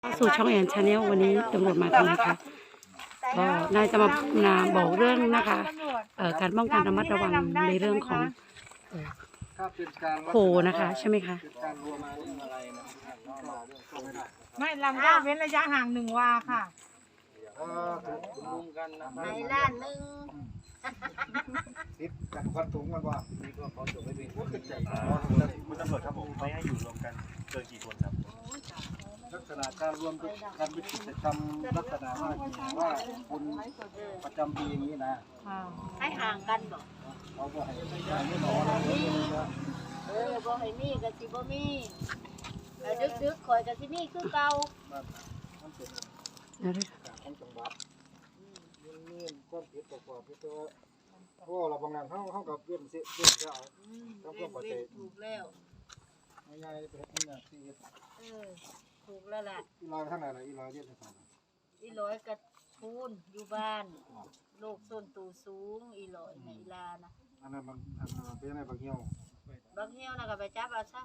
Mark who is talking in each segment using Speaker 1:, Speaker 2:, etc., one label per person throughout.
Speaker 1: สู่ช่องแอนชาแนลวันนี้ตำรวจมาทำไมคะก็นายจะมาบอกเรื่องนะคะการป้องกันระมัดระวังในเรื่องของโคนะคะใช่ไหมคะ
Speaker 2: ไม่ลำก็เว้นระยะห่าง1 วาค่ะ
Speaker 3: ในล้านหนึ่ง
Speaker 4: ติดกันควันถุงมันว่านี่ก็เขาจบไม่เป็นผู้ขึ้นใจคุณตำรวจครับผมไม่ให้อยู่รวมกันเกินกี่คนครับลักษณะการรวมการวิจิตรกรรมลักษณะว่าคุณประจำปีอย่างนี้นะ
Speaker 3: ให้ห่างกันบ่
Speaker 4: เขาก็ให้ไม่หนอ
Speaker 3: บ่ให้มีกับสิบ่มีดึกๆคอยกับสิมีคือเก่า
Speaker 4: มันเป็นของจังหวัดนี่ความผิดประกอบที่ตัวเพราะเราบางงานเขากับเพื่อนเสียเอาต้องเพื่อนปฏิเสธ
Speaker 3: ถูกแล้ว
Speaker 4: ง่ายๆเป็นที่น่ะที่
Speaker 3: ถูกแล้วล่ะ
Speaker 4: อีลอยข้างไหนล่ะอีลอยเยอะที่สุด
Speaker 3: อีลอยกระทูนอยู่บ้านโรคส้นตูสูงอีลอยในอีลานะ
Speaker 4: อันนั้นมันเป็นยังไงบางเหี้ยว
Speaker 3: น่ะก็ไปจับเอาซะ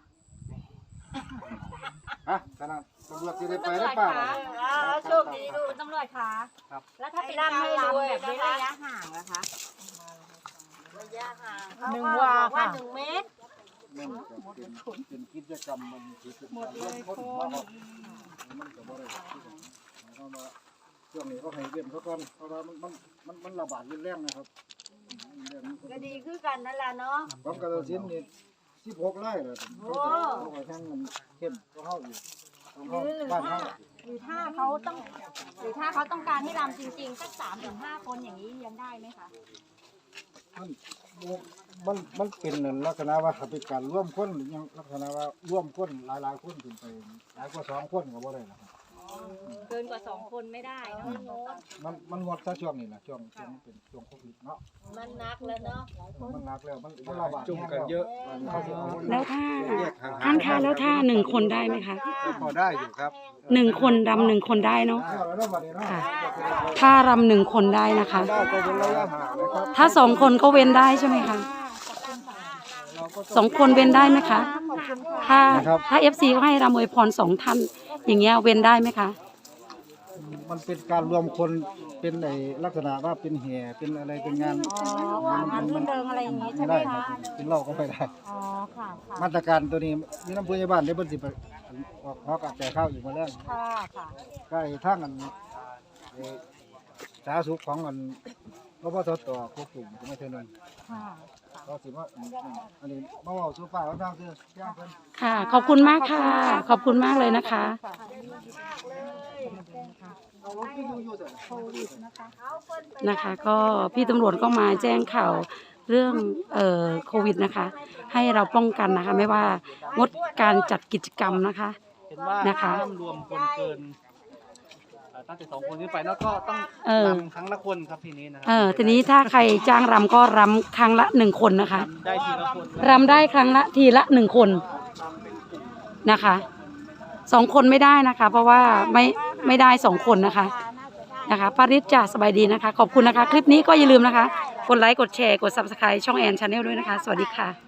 Speaker 4: ฮะขนาดตำรวจที่ได้ไปได้ป่ะ
Speaker 3: โชคดีลูก
Speaker 2: ตำรวจคะ
Speaker 4: ครับ
Speaker 2: แล้วถ้าเป็นการรำแบบเว้นระยะห่างนะคะ
Speaker 3: ระยะห่าง
Speaker 2: 1 วาค่ะ
Speaker 3: 1 เมตร
Speaker 4: เป็นกิจกรรมมัน
Speaker 2: หมดเลยคน
Speaker 4: มันก็บ่ได้เขามาช่วงนี้เขาให้เว้นเขาก่อนเพราะว่ามันระบาดรุนแรงนะครับ
Speaker 3: ก็ดีคือกันนั่นล่ะเนาะ
Speaker 4: ผมกระสินนี่16 ไร่เลยเขาไปทางมันเข้มก็เฮาอยู่บ้านเฮา
Speaker 2: หรือถ้าเขาต้องการให้รำจริงๆสัก3 ถึง 5 คนอย่างนี้เลี้ยงได้ไหมคะ
Speaker 4: มันเป็นลักษณะว่าเป็นการร่วมคนยังลักษณะว่าร่วมคนหลายคนขึ้นไปหลายกว่า2 คนก็บ่ได้นะครับ
Speaker 2: เกินกว่า2 คนไม่ได้เนาะ
Speaker 4: มันงดซะช่วงนี้นะช่วงเป็นช่วงโควิดเนาะ
Speaker 3: มันนักแล้วเนาะ
Speaker 4: มันนักแล้วมันระบาดจุ่มกันเยอะ
Speaker 1: แล้วถ้าแล้วถ้า1 คนได้ไหมคะ
Speaker 4: พอได้อยู่ครับ
Speaker 1: 1 คนรำ1 คนได้เนาะค่ะถ้ารำ1 คนได้นะคะถ้า2 คนก็เว้นได้ใช่ไหมคะ2 คนเว้นได้ไหมคะถ้า FC ก็ให้รำอวยพร2 ท่านอย่างเงี้ยเว้นได้ไหมคะ
Speaker 4: มันเป็นการรวมคนเป็นในลักษณะว่าเป็นแห่เป็นอะไรเป็นงาน
Speaker 2: รื่นเริงอะไรอย่างงี้ใช่ไหมคะ
Speaker 4: เป็นเหล้าก็ไม่ได้
Speaker 2: ค่ะ
Speaker 4: มาตรการตัวนี้มีน้ำพุยบ้านได้เพิ่นสิออกฮอกแต่ข้าวอีกมาแล้ว
Speaker 2: ค่ะ
Speaker 4: ใกล้ทางกันสาธารณสุขของกันพบสตควบคุมไม่เท่านั้นก็สิว่าอันนี้มาเว้าสู่ป้าว่าทางคือแจ้งเพิ่น
Speaker 1: ค่ะขอบคุณมากค่ะขอบคุณมากเลยนะคะนะคะก็พี่ตำรวจก็มาแจ้งข่าวเรื่องโควิดนะคะให้เราป้องกันนะคะไม่ว่างดการจัดกิจกรรมนะคะ
Speaker 5: นะคะรวมคนเกินตั้งแต่2 คนขึ้นไปแล้วก็ต้องรำครั้งละคนครับทีนี้นะครับ
Speaker 1: ทีนี้ถ้าใครจ้างรำก็รำครั้งละ1 คนนะคะ
Speaker 5: ได้ทีละคน
Speaker 1: รำได้ครั้งละทีละ1 คนนะคะ2 คนไม่ได้นะคะเพราะว่าไม่ได้2 คนนะคะปาริศจ่าสบายดีนะคะขอบคุณนะคะคลิปนี้ก็อย่าลืมนะคะกดไลค์กดแชร์กด Subscribe ช่องแอนชาแนลด้วยนะคะสวัสดีค่ะ